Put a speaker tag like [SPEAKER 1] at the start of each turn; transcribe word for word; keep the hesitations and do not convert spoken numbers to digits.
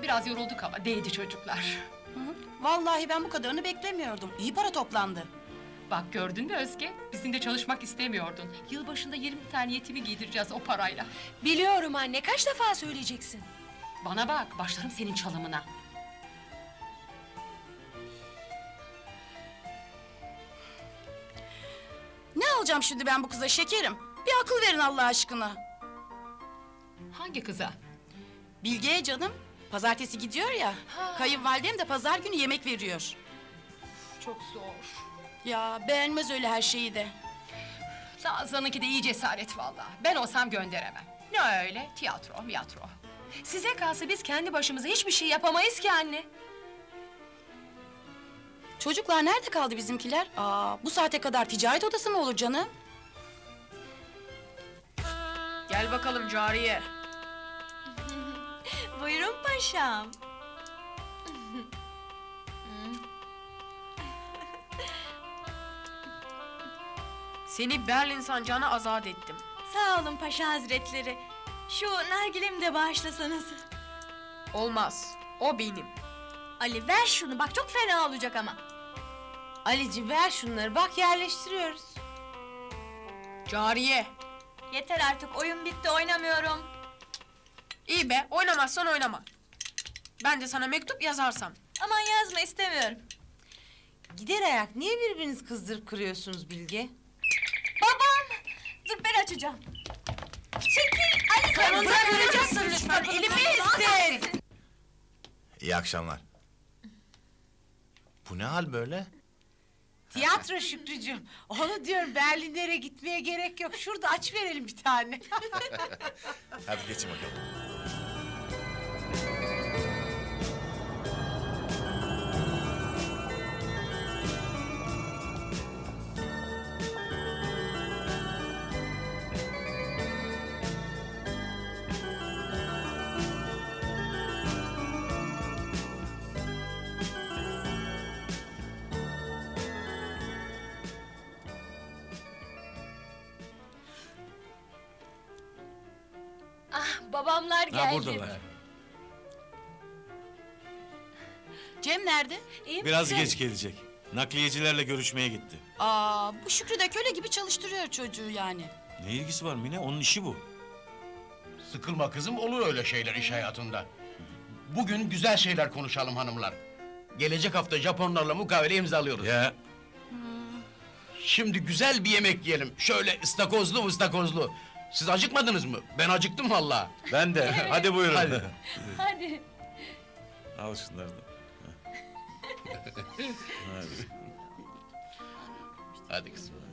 [SPEAKER 1] Biraz yorulduk ama değdi çocuklar.
[SPEAKER 2] Hı hı. Vallahi ben bu kadarını beklemiyordum. İyi para toplandı.
[SPEAKER 1] Bak gördün mü Özge? Bizim de çalışmak istemiyordun. Yılbaşında yirmi tane yetimi giydireceğiz o parayla.
[SPEAKER 3] Biliyorum anne, kaç defa söyleyeceksin?
[SPEAKER 1] Bana bak, başlarım senin çalımına.
[SPEAKER 2] Ne alacağım şimdi ben bu kıza şekerim? Bir akıl verin Allah aşkına.
[SPEAKER 1] Hangi kıza?
[SPEAKER 2] Bilge'ye canım. Pazartesi gidiyor ya.
[SPEAKER 1] Ha.
[SPEAKER 2] Kayınvalidem de pazar günü yemek veriyor.
[SPEAKER 1] Çok zor.
[SPEAKER 2] Ya beğenmez öyle her şeyi de.
[SPEAKER 1] Nazan'ınki de iyi cesaret vallahi. Ben olsam gönderemem. Ne öyle? Tiyatro, miyatro.
[SPEAKER 3] Size kalsa biz kendi başımıza hiçbir şey yapamayız ki anne.
[SPEAKER 2] Çocuklar nerede kaldı bizimkiler? Aa, bu saate kadar ticaret odası mı olur canım?
[SPEAKER 4] Gel bakalım cariye.
[SPEAKER 5] Buyurun paşam.
[SPEAKER 4] Seni Berlin sancağına azat ettim.
[SPEAKER 5] Sağ olun paşa hazretleri. Şu nargilemi de bağışlasanız.
[SPEAKER 4] Olmaz. O benim.
[SPEAKER 5] Ali ver şunu bak çok fena olacak ama.
[SPEAKER 6] Alici ver şunları bak yerleştiriyoruz.
[SPEAKER 4] Cariye.
[SPEAKER 5] Yeter artık oyun bitti oynamıyorum.
[SPEAKER 4] İyi be, oynamazsan oynama. Ben de sana mektup yazarsam.
[SPEAKER 5] Aman yazma istemiyorum.
[SPEAKER 6] Gider ayak niye birbirinizi kızdırıp kırıyorsunuz Bilge?
[SPEAKER 5] Babam! Dur ben açacağım. Çekil Ali sen
[SPEAKER 6] Sonunda kıracaksın lütfen elimi istin.
[SPEAKER 7] İyi akşamlar. Bu ne hal böyle?
[SPEAKER 6] Tiyatro Şükrücüğüm. Onu diyorum Berlinlere gitmeye gerek yok. Şurada aç verelim bir tane.
[SPEAKER 7] Hadi geçin bakalım.
[SPEAKER 3] Ah, babamlar geldi.
[SPEAKER 8] Ha buradalar.
[SPEAKER 2] Cem nerede?
[SPEAKER 3] İyi
[SPEAKER 8] Biraz
[SPEAKER 3] misin?
[SPEAKER 8] geç gelecek. Nakliyecilerle görüşmeye gitti.
[SPEAKER 2] Aa, bu Şükrü de köle gibi çalıştırıyor çocuğu yani.
[SPEAKER 8] Ne ilgisi var Mine? Onun işi bu.
[SPEAKER 9] Sıkılma kızım, olur öyle şeyler iş hayatında. Bugün güzel şeyler konuşalım hanımlar. Gelecek hafta Japonlarla mukavele imzalıyoruz.
[SPEAKER 8] Ya
[SPEAKER 9] Şimdi güzel bir yemek yiyelim. Şöyle ıstakozlu ıstakozlu. Siz acıkmadınız mı? Ben acıktım vallahi.
[SPEAKER 8] ben de. Hadi buyurun.
[SPEAKER 9] Hadi.
[SPEAKER 3] Hadi.
[SPEAKER 8] Al şunları da. Hadi.
[SPEAKER 9] Hadi kızım.